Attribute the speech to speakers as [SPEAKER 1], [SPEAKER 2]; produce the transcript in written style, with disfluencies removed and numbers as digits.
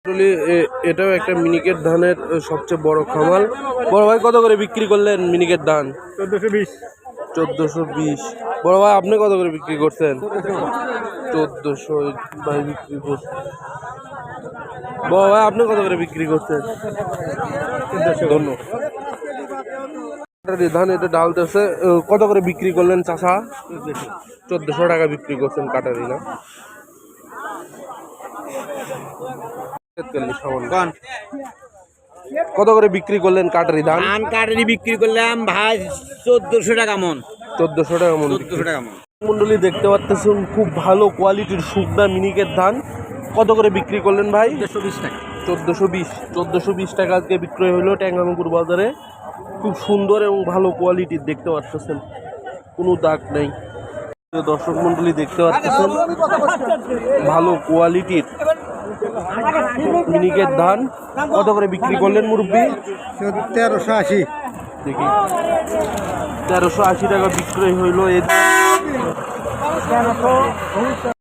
[SPEAKER 1] আসলে এটাও একটা মিনিকেট ধানের সবচেয়ে বড় খামার। বড় ভাই কত করে বিক্রি করলেন মিনিকেট ধান?
[SPEAKER 2] 1420।
[SPEAKER 1] 1420। বড় ভাই আপনি কত করে বিক্রি করছেন? 1400 ভাই বিক্রি করছেন। বড় ভাই আপনি কত করে বিক্রি করছেন? ধন্যবাদ। ধান এটা ডালতেছে কত করে বিক্রি করলেন চাষা? 1400 টাকা বিক্রি করছেন কাটারি না? কত করে বিক্রি করলেন কাটারি ধান?
[SPEAKER 2] ধান কাটারি বিক্রি করলাম ভাই 1400 টাকা মন।
[SPEAKER 1] 1400 টাকা মন।
[SPEAKER 2] 1400 টাকা মন।
[SPEAKER 1] মন্ডলী দেখতে পাচ্ছেন খুব ভালো কোয়ালিটির শুকনা মিনিকেট ধান। কত করে বিক্রি করলেন ভাই?
[SPEAKER 2] 1420 টাকা।
[SPEAKER 1] 1420 টাকা আজকে বিক্রয় হলো ট্যাঙ্গামুকুর বাজারে। খুব সুন্দর এবং ভালো কোয়ালিটির দেখতে পাচ্ছেন, কোনো দাগ নেই। দর্শক মন্ডলী দেখতে পাচ্ছেন ভালো কোয়ালিটির মিনিকেট ধান। কত করে বিক্রি করলেন মুরব্বী?
[SPEAKER 2] 1380।
[SPEAKER 1] দেখি 1380 টাকা বিক্রয় হইলো।